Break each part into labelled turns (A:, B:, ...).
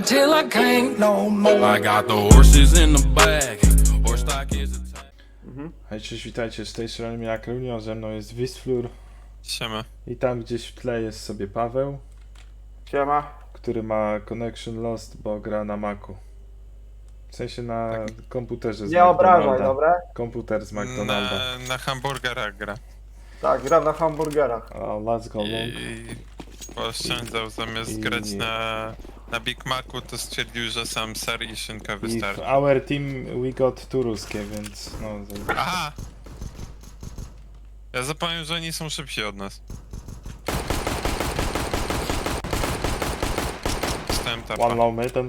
A: till I can't no more.
B: I got the horses in the back. Horse stock is a
C: Hej, cześć, witajcie, z tej strony Jakrunio, ze mną jest Wisflur
D: Siema.
C: i tam gdzieś w tle jest sobie Paweł,
E: Siema.
C: który ma connection lost, bo gra na Macu. W sensie na komputerze z
E: Nie obrażaj,
C: McDonalda.
E: dobra?
C: Komputer z McDonalda.
D: Na hamburgerach gra.
E: Tak, gram na hamburgerach.
C: O, let's go, long.
D: I pooszczędzał zamiast grać na Big Macu, to stwierdził, że sam ser i szynka
C: I w
D: wystarczy.
C: our team we got two ruskie, więc no...
D: Aha! Ja zapomniałem, że oni są szybsi od nas. Dostałem tapa.
C: One low middle.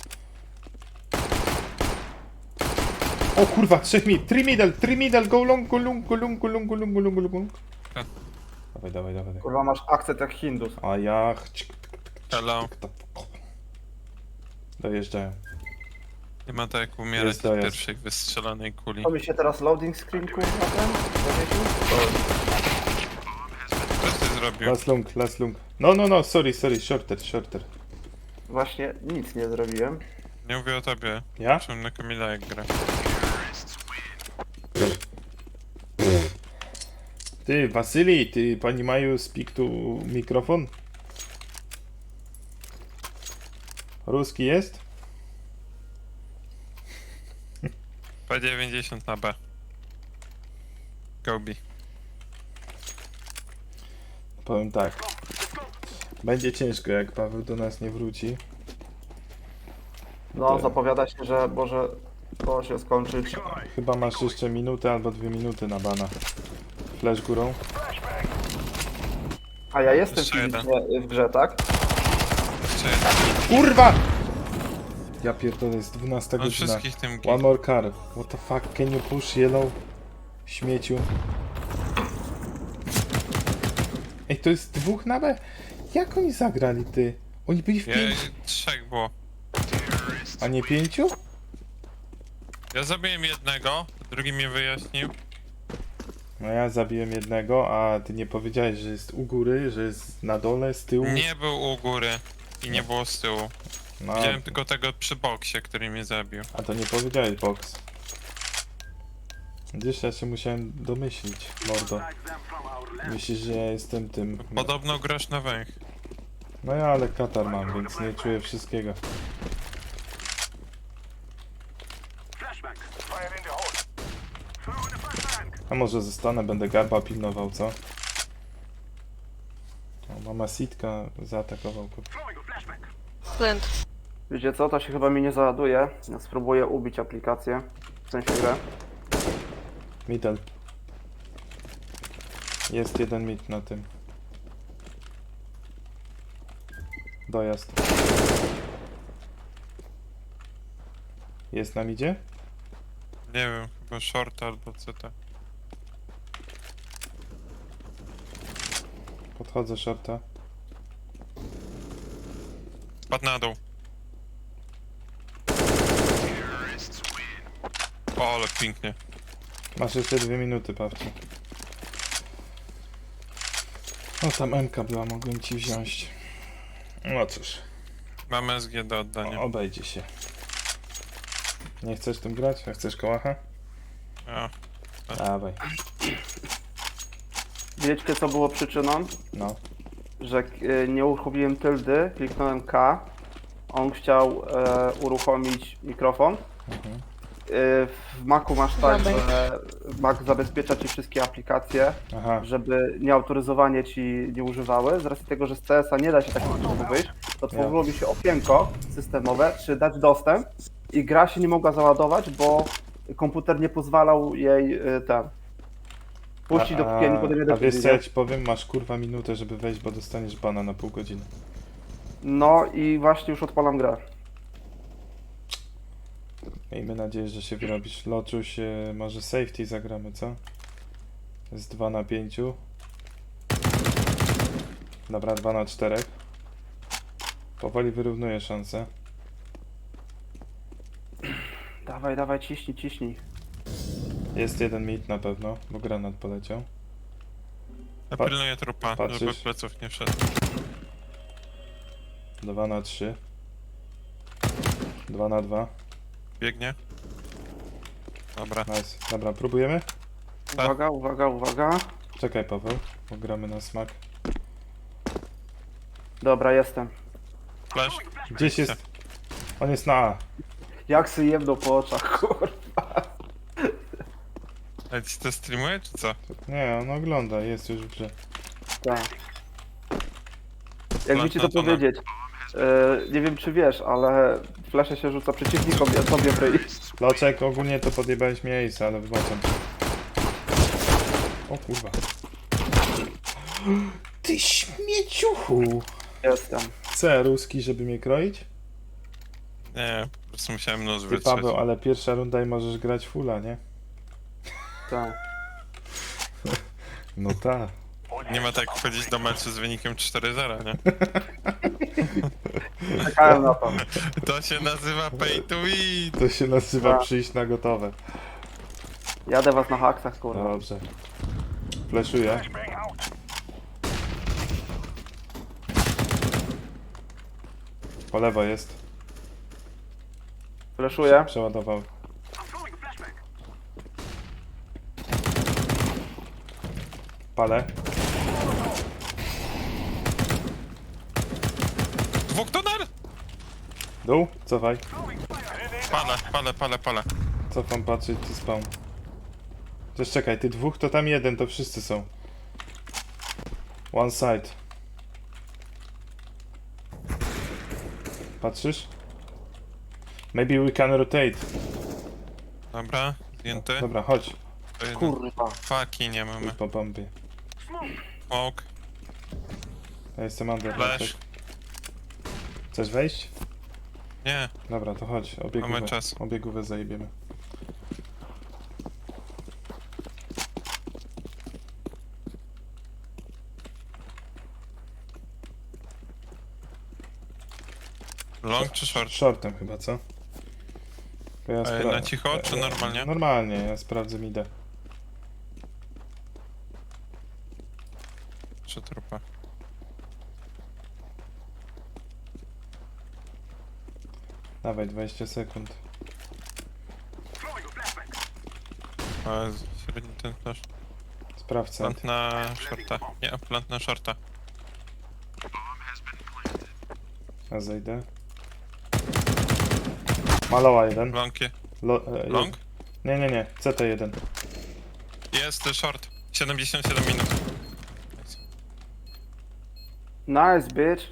C: O kurwa, 3 middle, go long, go long, go long, go long, go long, go long, go long. Dawaj.
E: Kurwa, masz akcent jak Hindus.
C: A ja...
D: Hello.
C: Dojeżdżają.
D: Nie ma tak jak umierać
C: Jest
D: od
C: dojazd.
D: pierwszej wystrzelanej kuli.
E: To mi się teraz loading screen kurwa ten zawiesił?
D: Co ty zrobił?
C: Last lung. No, sorry, shorter.
E: Właśnie nic nie zrobiłem.
D: Nie mówię o tobie.
C: Ja?
D: Czym na Kamila jak gra.
C: Ty, Wasyli, ty, pani Maju, speak to mikrofon? Ruski jest?
D: P90 na B. Gobi.
C: Powiem tak. Będzie ciężko, jak Paweł do nas nie wróci.
E: No, zapowiada się, że może to się skończyć.
C: Chyba masz jeszcze minutę albo 2 minuty na bana. Flash górą.
E: A ja jestem
D: Jeszcze jeden.
E: fizycznie w grze, tak?
D: Jeszcze jeden.
C: Kurwa! Ja pierdolę, jest 12
D: On
C: godzina.
D: wszystkich tym
C: One more car. What the fuck, can you push yellow? Śmieciu. Ej, to jest 2 na B? Jak oni zagrali, ty? Oni byli w 5,
D: Trzech było.
C: a nie 5?
D: Ja zabiłem jednego, drugi mnie wyjaśnił.
C: No ja zabiłem jednego, a ty nie powiedziałeś, że jest u góry, że jest na dole, z tyłu?
D: Nie był u góry i nie było z tyłu.
C: No,
D: Widziałem tylko tego przy boksie, który mnie zabił.
C: a to nie powiedziałeś, box. Gdzieś ja się musiałem domyślić, mordo. Myślisz, że ja jestem tym...
D: Podobno grasz na węch.
C: No ja ale katar mam, więc nie czuję wszystkiego. A może zostanę, będę garba pilnował, co? O, mama Sitka zaatakował.
F: Flint.
E: Wiecie co, to się chyba mi nie załaduje. Ja spróbuję ubić aplikację. W sensie grę.
C: Middle. Jest jeden mid na tym. Dojazd. Jest na midzie?
D: Nie wiem, chyba short albo CT.
C: Podchodzę shorta.
D: Spadł na dół. O, ale pięknie.
C: Masz jeszcze 2 minuty, Pawcie. No tam MK była, mogłem ci wziąć. No cóż,
D: Mamy SG do oddania.
C: obejdzie się. Nie chcesz tym grać? A chcesz kołacha?
D: A,
C: Dawaj.
E: Wiecie co było przyczyną?
C: No.
E: Że nie uruchomiłem tyldy, kliknąłem K. On chciał uruchomić mikrofon. W Macu masz tak, że Mac zabezpiecza ci wszystkie aplikacje,
C: Aha.
E: żeby nieautoryzowanie ci nie używały. Z racji tego, że z CS-a nie da się tak szybko wyjść, to tworzyło mi się okienko systemowe, czy dać dostęp i gra się nie mogła załadować, bo komputer nie pozwalał jej puścić, dopóki ja nie podejmę
C: A wiesz
E: decyzji.
C: co ja ci powiem? Masz kurwa minutę, żeby wejść, bo dostaniesz bana na pół godziny.
E: No i właśnie już odpalam grę.
C: Miejmy nadzieję, że się wyrobisz. Loczuś, może safety zagramy, co? Jest 2 na 5. Dobra, 2 na 4. Powoli wyrównuję szanse.
E: Dawaj, ciśnij.
C: Jest jeden mid na pewno, bo granat poleciał.
D: ja pilnuję trupa,
C: patrzysz?
D: żeby pleców nie wszedł.
C: 2 na 3. 2 na 2.
D: Biegnie. Dobra.
C: Nice. Dobra, próbujemy?
E: Uwaga, uwaga, uwaga.
C: Czekaj, Paweł, bo gramy na smak.
E: Dobra, jestem.
D: Flash.
C: Gdzieś jest... On jest na A.
E: Jak sy jebną po oczach, kurwa.
D: Ale ci to streamuje, czy co?
C: Nie, on ogląda, jest już w grze.
E: Tak. Jakby ci to
D: Plantatonem.
E: powiedzieć. Nie wiem czy wiesz, ale flesze się rzuca przeciwnikom i sobie w ryj.
C: Loczek, ogólnie to podjebałeś miejsce, ale wybaczam. O kurwa. Ty śmieciuchu!
E: Jestem.
C: C, ruski, żeby mnie kroić?
D: Nie, po prostu musiałem nóż
C: Ty
D: wytrzeć.
C: Paweł, ale pierwsza runda i możesz grać fulla, nie?
E: Tak.
C: No tak.
D: Nie ma tak wchodzić do meczu z wynikiem 4-0, nie?
E: Czekałem na to.
D: To się nazywa pay to win!
C: To się nazywa
E: Tak.
C: przyjść na gotowe.
E: Jadę was na haksach, kurwa.
C: Dobrze. Fleszuję. Po lewo jest.
E: Fleszuję.
C: Przeładował. Palę.
D: Dwóch tonar!
C: Dół, cofaj.
D: Palę.
C: Cofam patrzeć, ty spawn. Też czekaj, ty dwóch to tam jeden, to wszyscy są. One side. Patrzysz? Maybe we can rotate.
D: Dobra, zdjęty.
C: Dobra, chodź.
D: To jeden.
E: Kurwa.
D: Faki nie mamy.
C: Po bombie.
D: Smoke.
C: Ja jestem under.
D: Flash.
C: Chcesz wejść?
D: Nie.
C: Dobra, to chodź. Obiegówę.
D: Mamy czas.
C: Obiegówę zajebiemy.
D: Long czy short?
C: Shortem chyba, co? To ja
D: Na cicho, czy normalnie?
C: Normalnie, ja sprawdzę midę.
D: Czy trupa?
C: Dawaj, 20 sekund.
D: Średni ten flash.
C: Sprawdź side.
D: Plant na shorta. Nie, plant na shorta.
C: Ja zejdę. Maloła jeden.
D: Longie.
C: Lo,
D: Long?
C: Nie. CT1.
D: Jest short. 77 minut.
E: Nice, bitch.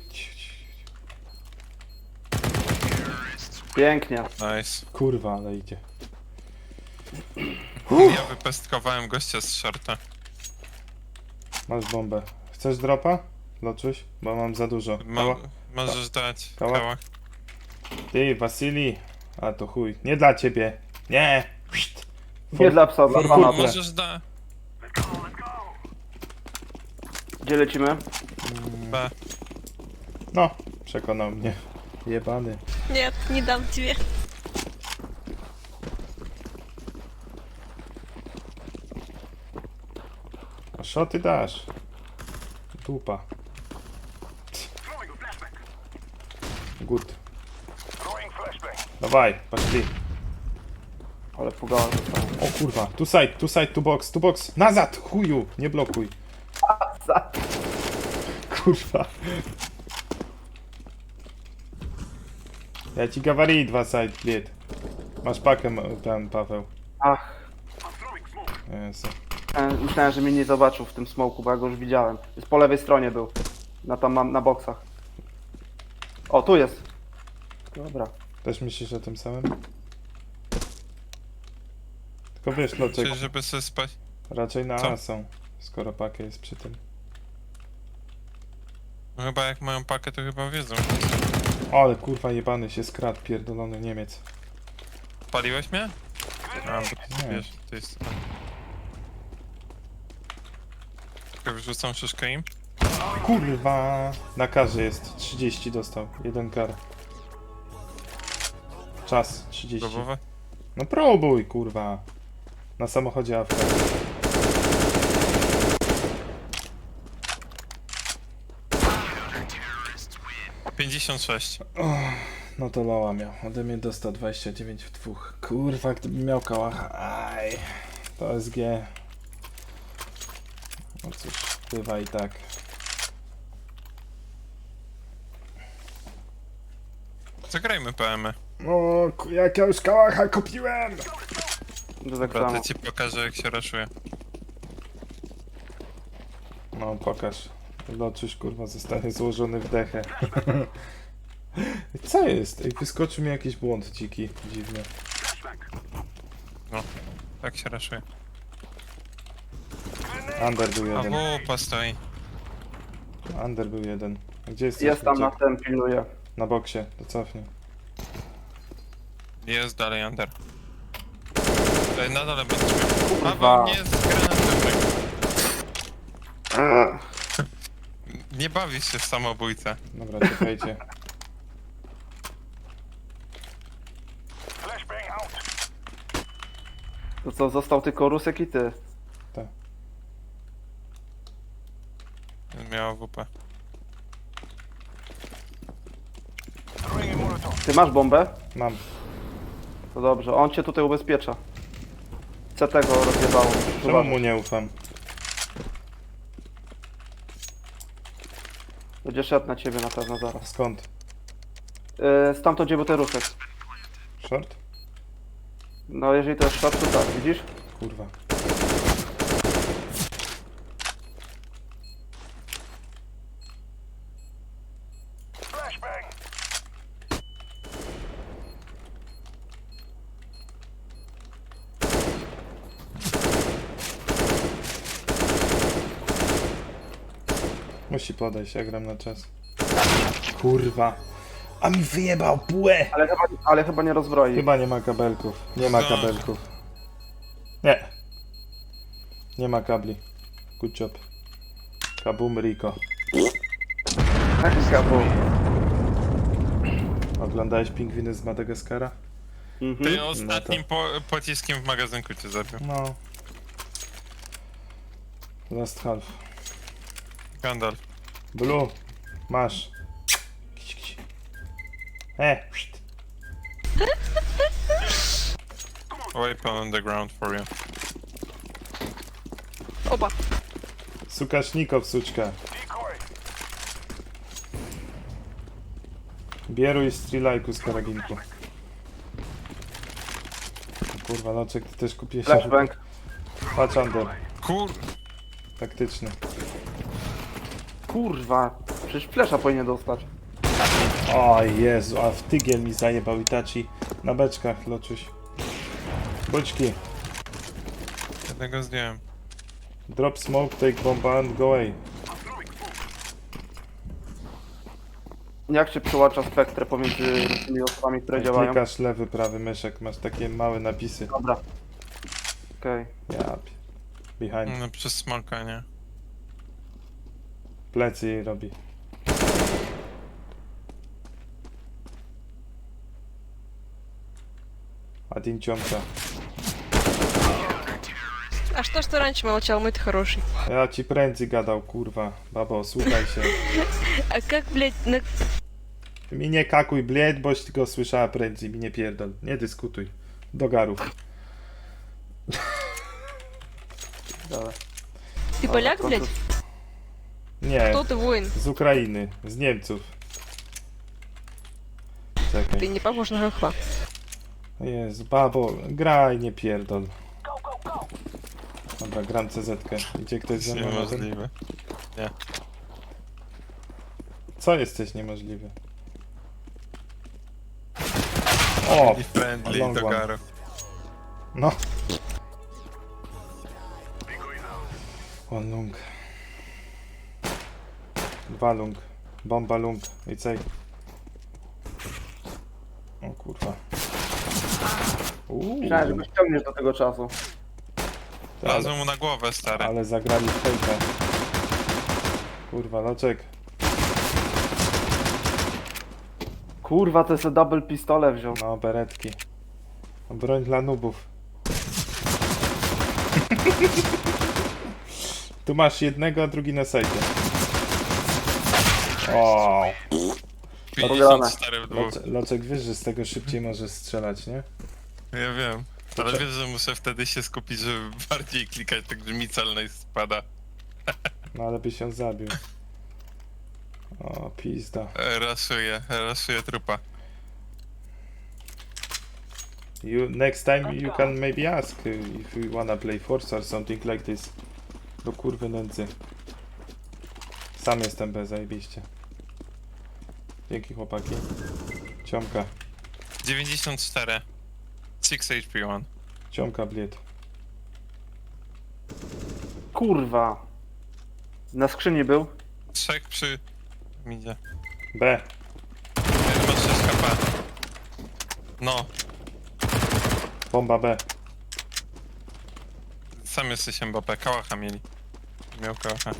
E: Pięknie.
D: Nice.
C: Kurwa, ale idzie.
D: Ja wypestkowałem gościa z shorta.
C: Masz bombę. Chcesz dropa? Loczuś? Bo mam za dużo. Kała?
D: Możesz dać.
C: Kała?
D: Kała.
C: Ty, Wasili. A to chuj. Nie dla ciebie. Nie. Pszt.
E: Nie dla psa, dla
C: for
E: pana.
C: food.
D: Możesz dać.
E: Gdzie lecimy?
D: B.
C: No, przekonał mnie. Jebany.
F: Nie, nie dam ciebie.
C: A szoty dasz. Dupa. Good. Dawaj, poszli.
E: Ale pugałem zostało.
C: O kurwa, tu side, tu box. Nazad, chuju, nie blokuj. Kurwa. Ja ci gawari 2 side, blid. Masz pakę, tam Paweł.
E: Ach,
C: Jezu.
E: myślałem, że mnie nie zobaczył w tym smoku, bo ja go już widziałem. Jest po lewej stronie był. Tam mam na boksach. O, tu jest. Dobra.
C: Też myślisz o tym samym? Tylko wiesz, Loczek,
D: Czyli żeby sobie spać.
C: raczej na
D: Co?
C: A są, skoro pakę jest przy tym.
D: No chyba jak mają pakę, to chyba wiedzą.
C: Ale kurwa jebany się skradł, pierdolony Niemiec.
D: Paliłeś mnie? A, bo ty
C: Nie.
D: wiesz, to jest... Tylko wyrzucam szyszkę im.
C: Kurwa! Na karze jest, 30 dostał, 1 kar. Czas, 30.
D: Próbowe?
C: No próbuj, kurwa. Na samochodzie Afra.
D: $56.
C: No to loła miał. Ode mnie dostał 29 w dwóch. Kurwa, gdybym miał kałacha. Aj. To SG. No cóż, bywa i tak.
D: Zagrajmy PM-y.
C: O, jak ja już kałacha kupiłem!
E: To tak
D: Dobra,
E: samo.
D: to ci pokażę jak się raszuje.
C: No, pokaż. Loczuś, kurwa, zostanie złożony w dechę. Co jest? Ej, wyskoczył mi jakiś błąd dziki, dziwny.
D: Tak się raszuje.
C: Under był
D: A
C: jeden.
D: wupa stoi.
C: Under był jeden. A gdzie jest?
E: Jest tam na tym, pilnuje.
C: Na boksie, to cofnij.
D: Jest dalej under. Na dole będzie miał.
E: Kurwa.
D: Paweł nie jest granatem. Nie bawi się w samobójcę.
C: Dobra, czekajcie.
E: To co, został tylko Rusek i ty.
D: Miała WP.
E: Ty masz bombę?
C: Mam.
E: To dobrze, on cię tutaj ubezpiecza. Co tego rozjebało?
C: Czemu mu nie ufam?
E: Będzie szedł na ciebie na pewno zaraz.
C: Skąd?
E: Stamtąd gdzie był ten Rusek.
C: Short?
E: No jeżeli to jest short, to tak, widzisz?
C: Kurwa. Musi podejść, ja gram na czas. Kurwa. A mi wyjebał bułę!
E: Ale chyba nie rozbroi.
C: Chyba nie ma kabelków. Nie ma kabelków. Nie. Nie ma kabli. Good job. Kabum Rico.
E: Kabu.
C: Oglądałeś Pingwiny z Madagaskara?
D: Ty ostatnim pociskiem w magazynku cię zabił.
C: No. Last half.
D: Gandalf.
C: Blue. Masz. Kić, kić. Pszt.
D: Weapon on the ground for you.
F: Oba.
C: Sukasznikow, suczka. Bieruj strzelajku z karabinku. Kurwa, Loczek, ty też kupiłeś...
E: Flashbang.
C: Patrz under.
D: Kur...
C: Taktyczny.
E: Kurwa. Przecież flesza powinien dostać.
C: O Jezu, a w tygiel mi zajebał Itachi. Na beczkach, Loczuś. Boczki.
D: Jednego zdjąłem.
C: Drop smoke, take bomba and go away.
E: Jak się przyłącza spektrę pomiędzy tymi osobami, które działają?
C: Klikasz lewy, prawy myszek, masz takie małe napisy.
E: Dobra. Okej.
C: Behind.
D: No przez smoka, nie?
C: Plecy jej robi. Один ciąca.
F: А что, что раньше молчал, мой-то хороший?
C: Ja ci prędzej gadał, kurwa. Babo, słuchaj się.
F: А как, блядь, на...
C: Ty mi nie kakuj, bled, boś tylko słyszała prędzej, mi nie pierdol. Nie dyskutuj. Do garów.
E: Dobra.
F: Ты поляк, блядь?
C: Nie,
F: Кто ты, воин?
C: z Ukrainy, z Niemców. Czekaj.
F: Ты не похож на хохла.
C: Jezu, babo, graj, nie pierdol. Dobra, gram CZ-kę. Idzie ktoś ze mną na ten?
D: Niemożliwe. Nie.
C: Co jesteś niemożliwy? O!
D: I friendly
C: long
D: do
C: one.
D: garu.
C: No. One lung. Dwa lung. Bomba lung. I cej. O kurwa.
E: Myślałem, że go ściągniesz do tego czasu.
D: Lazłem mu na głowę, stary.
C: Ale zagrali w fejkę. Kurwa, Loczek.
E: Kurwa, to jest double pistole wziął.
C: No, beretki. Broń dla nubów. Tu masz jednego, a drugi na sajcie. O.
D: 54 w dwóch.
C: Loczek, wiesz, że z tego szybciej możesz strzelać, nie?
D: Ja wiem. Ale wiesz, że muszę wtedy się skupić, żeby bardziej klikać, tak że mi celność spada.
C: No ale byś ją zabił. O, pizda.
D: Raszuję trupa.
C: Next time you can maybe ask if you wanna play Forza or something like this. Do kurwy nędzy. Sam jestem bez, zajebiście. Dzięki chłopaki. Ciomka.
D: 94. 6 HP 1.
C: Ciomka bliet.
E: Kurwa. Na skrzyni był.
D: 3 przy... Midzie.
C: B.
D: Ma 6 HP. No,
C: Bomba B.
D: sam jesteś Mbappé. Kałacha mieli. Miał kałacha.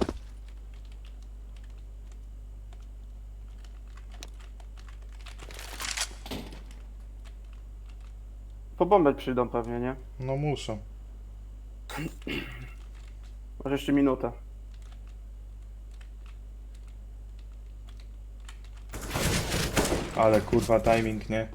E: Po bombę przyjdą pewnie, nie?
C: No muszą.
E: Masz jeszcze minutę.
C: Ale kurwa timing, nie?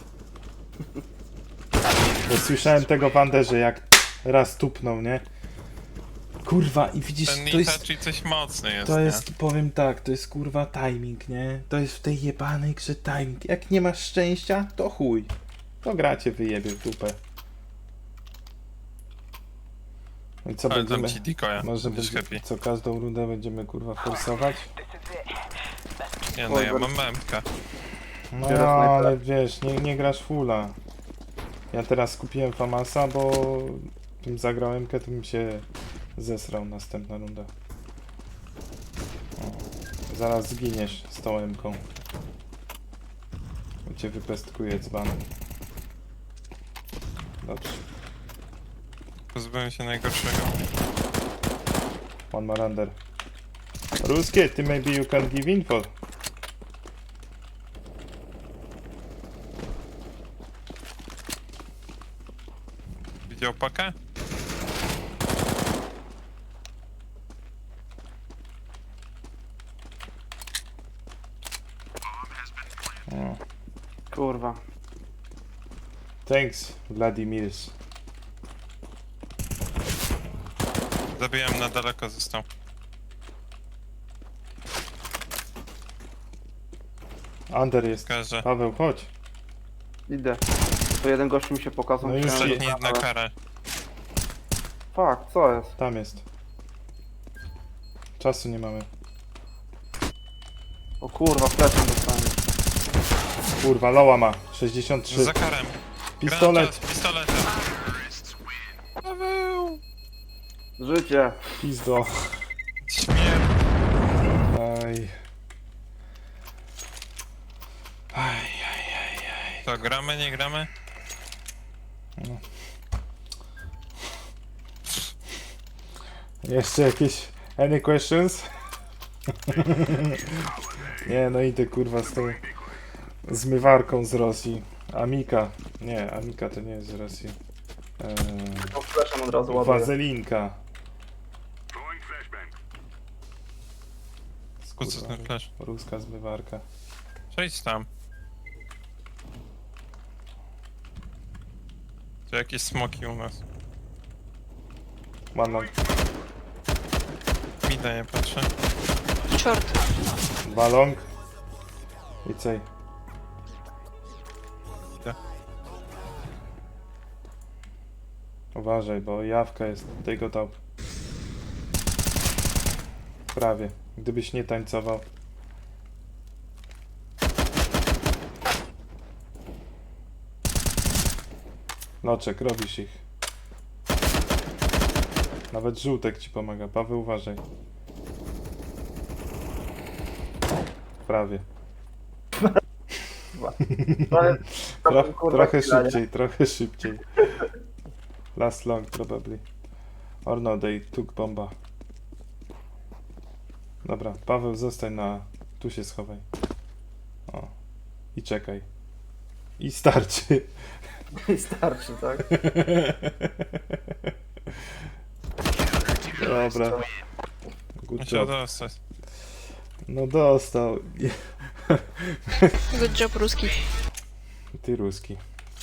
C: Bo słyszałem tego w Anderze, jak raz tupnął, nie? Kurwa, i widzisz,
D: Ten
C: to jest...
D: Itachi coś mocny jest,
C: To
D: nie?
C: jest, powiem tak, to jest kurwa timing, nie? To jest w tej jebanej grze timing. Jak nie masz szczęścia, to chuj. To gra cię wyjebie w dupę. No i co
D: Ale dam
C: będziemy...
D: ci decoya,
C: Może
D: będziesz
C: będzie,
D: happy.
C: co każdą rundę będziemy kurwa forsować?
D: Nie no, ja mam memkę.
C: No
E: Teraz najpierw-
C: ale wiesz, nie grasz fulla. Ja teraz skupiłem Famasa, bo tym zagrałem, to bym się zesrał następna runda. O, zaraz zginiesz z tą M-ką. Bo cię wypestkuje dzbanem. Dobrze.
D: Pozbyłem się najgorszego.
C: One more under. Ruskie, ty maybe you can give info.
D: Widział pakę?
C: O.
E: Kurwa.
C: Thanks, Vladimirs.
D: Zabijałem na daleko, został.
C: Under jest.
D: Każe.
C: Paweł, chodź.
E: Idę. To jeden gościu mi się pokazał.
C: No już
E: myślałem,
C: nie-
E: że-
D: Ostatni na karę.
E: Fuck, co jest?
C: Tam jest. Czasu nie mamy.
E: O kurwa, fleszem dostanie.
C: Kurwa, Loła ma. 63.
D: Za karem.
C: Pistolet.
D: Granat, pistoletem. Paweł!
E: Życie.
C: Pizdo.
D: Śmierć.
C: Aj.
D: To gramy, nie gramy?
C: Jeszcze jakieś... Any questions? Nie, no idę kurwa z tą... Zmywarką z Rosji. Amika. Nie, Amika to nie jest z Rosji.
E: To fleszem od razu ładuję.
C: Wazelinka.
D: Po co ten flash?
C: Ruska zmywarka.
D: Przejdź tam. To jakieś smoki u nas.
C: One long.
D: Mida nie patrzę.
F: Черт.
C: Dwa long. I cej.
D: Idę.
C: Uważaj, bo jawka jest tego top. Prawie. Gdybyś nie tańcował. Loczek, robisz ich. Nawet żółtek ci pomaga. Paweł, uważaj. Prawie. Trochę szybciej, trochę szybciej. Last long probably. Or no, they took bomba. Dobra, Paweł, zostań na... Tu się schowaj. O. I czekaj. I starczy.
E: I starczy, tak?
C: Dobra. Good
D: Musiał
C: job.
D: dostać.
C: No dostał.
F: Good job, ruski.
C: Ty ruski.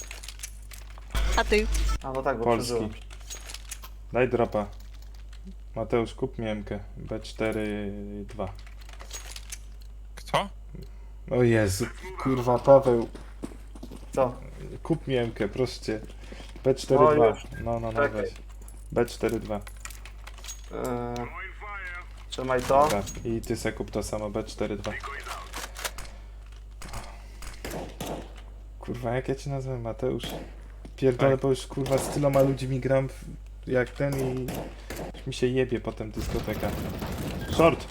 F: A ty?
E: A no tak, bo
C: Polski.
E: przeżyłem.
C: Daj dropa. Mateusz, kup miemkę. B4-2.
D: Kto?
C: O Jezu, kurwa, Paweł.
E: Co?
C: Kup miemkę, proszę cię.
E: O,
C: B4-2.
E: już.
C: No,
E: Czekaj.
C: weź. B4-2.
E: Trzymaj to.
C: Dobra. I ty se kup to samo, B4-2. Kurwa, jak ja cię nazwę, Mateusz? Pierdolę,
D: Tak.
C: bo już kurwa z tyloma ludźmi gram jak ten i już mi się jebie potem dyskoteka. Short!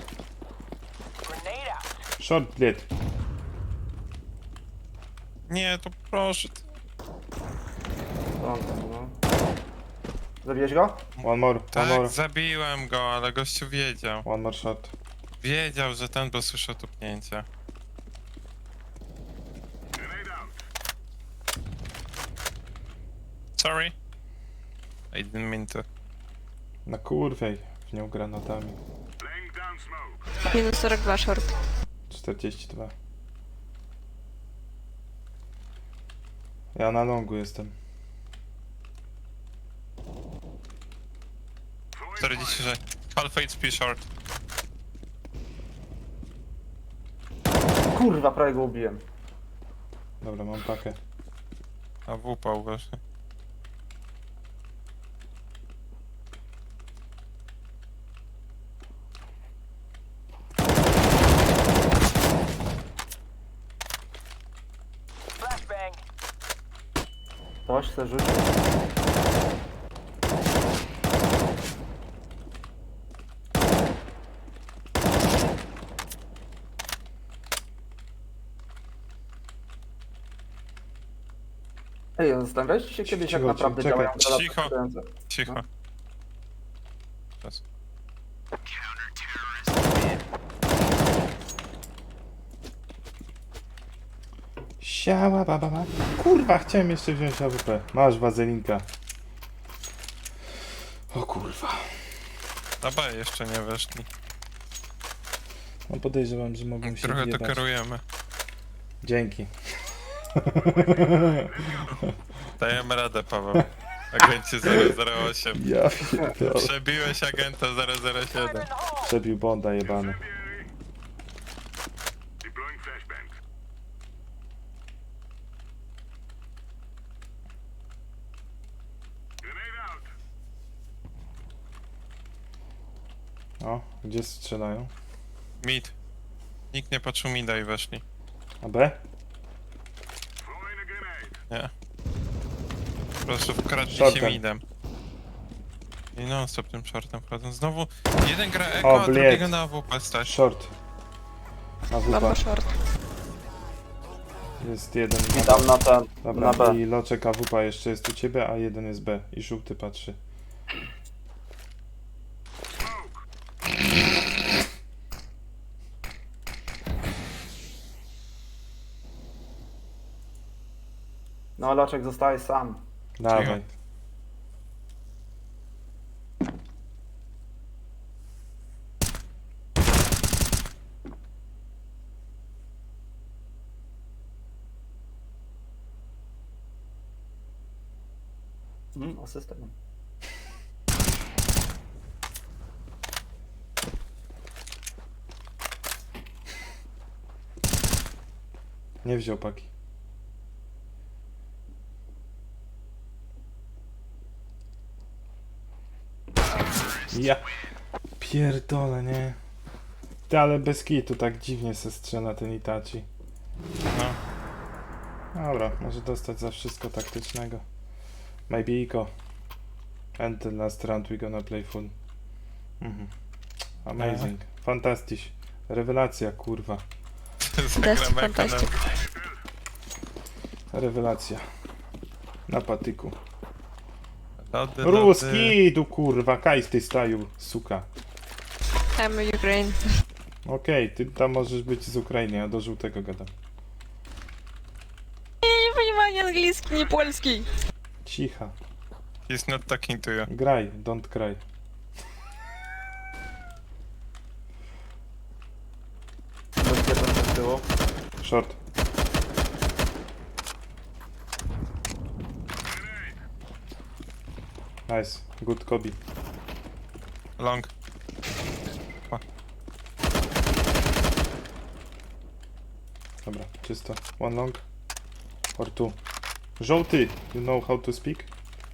C: Short, bled.
D: Nie, to proszę.
E: No. Zabiłeś go?
C: One more, one more.
D: Tak, zabiłem go, ale gościu wiedział.
C: One more shot.
D: Wiedział, że ten, bo słyszał tupnięcia. Sorry. I didn't mean to.
C: Na kurwej w nią granatami.
F: Minus 42 short.
C: 42. Ja na longu jestem.
D: 46. Half HP short.
E: Kurwa, prawie go ubiłem.
C: Dobra, mam pakę.
D: A WP właśnie.
E: Ktoś chce rzucić. Ej, zastanawialiście się kiedyś, jak
C: Cicho,
E: naprawdę
C: czekaj.
E: działają granaty
D: Cicho.
E: skręcające?
D: Cicho.
E: No.
D: Czas.
C: Siała baba. Kurwa, chciałem jeszcze wziąć AWP. Masz wazelinka. O kurwa.
D: Na B jeszcze nie weszli.
C: No podejrzewam, że mogą się
D: Trochę to
C: wjebać.
D: kierujemy.
C: Dzięki.
D: Dajemy radę, Paweł. Agencie 008.
C: Ja pierdolę.
D: Przebiłeś agenta 007.
C: Przebił Bonda jebany. O, gdzie strzelają?
D: Mid. Nikt nie patrzył mida i weszli.
C: A B?
D: Nie. Po prostu wkradli się
C: Shortem.
D: midem. I non stop tym shortem wchodzą. Znowu jeden gra eko,
C: O,
D: a
C: bled.
D: drugiego na AWP stać.
C: Short.
F: Bomba
C: AWP.
F: short.
C: Jest jeden.
E: I tam na ten,
C: Dobra,
E: na B.
C: i loczek AWP jeszcze jest u ciebie, a jeden jest B. I żółty patrzy.
E: No, Loczek zostaje sam.
C: Dawaj.
E: Asystent.
C: Nie wziął paki. Ja pierdolę, nie? Ty, ale bez kitu tak dziwnie se strzela ten Itachi.
D: No.
C: Dobra, może dostać za wszystko taktycznego. Maybe Iko. And the last round we gonna play full. Amazing. Fantastisch. Rewelacja, kurwa.
D: Zagramy jako
F: fantastic.
C: Rewelacja. Na patyku.
D: Lody,
C: Ruski, tu kurwa, kaj z tej staju, suka.
F: I'm Ukraine.
C: Okej, ty tam możesz być z Ukrainy, ja do żółtego gadam.
F: Nie понимаю английский, не польский.
C: Cicha.
D: He's not talking to you.
C: Graj, don't cry.
E: Bezpieczny z tyłu.
C: Short. Nice. Good Kobe.
D: Long.
C: Dobra, czysto. One long. Or two. Żółty, you know how to speak?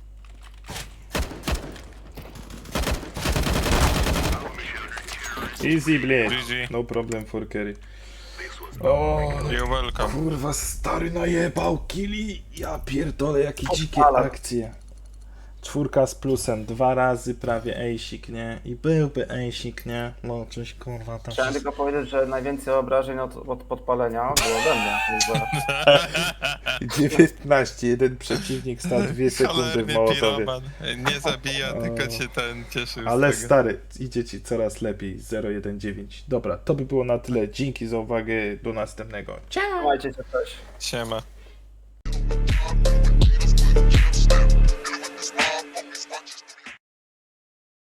C: Easy, blade.
D: GG.
C: No problem for carry. O,
D: You're welcome.
C: kurwa, stary najebał killi. Ja pierdolę, jakie dzikie
E: Ale-
C: akcje. 4 z plusem, 2 razy prawie ejsik, nie? I byłby ejsik, nie? No, coś kurwa tam.
E: Chciałem tylko powiedzieć, że najwięcej obrażeń od podpalenia było ode mnie. Także
C: 19, jeden przeciwnik stał 2 sekundy w
D: Cholerny
C: Mołotowie.
D: piroman. Nie zabija, tylko cię ten cieszył
C: Ale
D: z tego.
C: stary, idzie ci coraz lepiej. 019. Dobra, to by było na tyle. Dzięki za uwagę. Do następnego.
E: trzymajcie się, cześć.
D: Siema.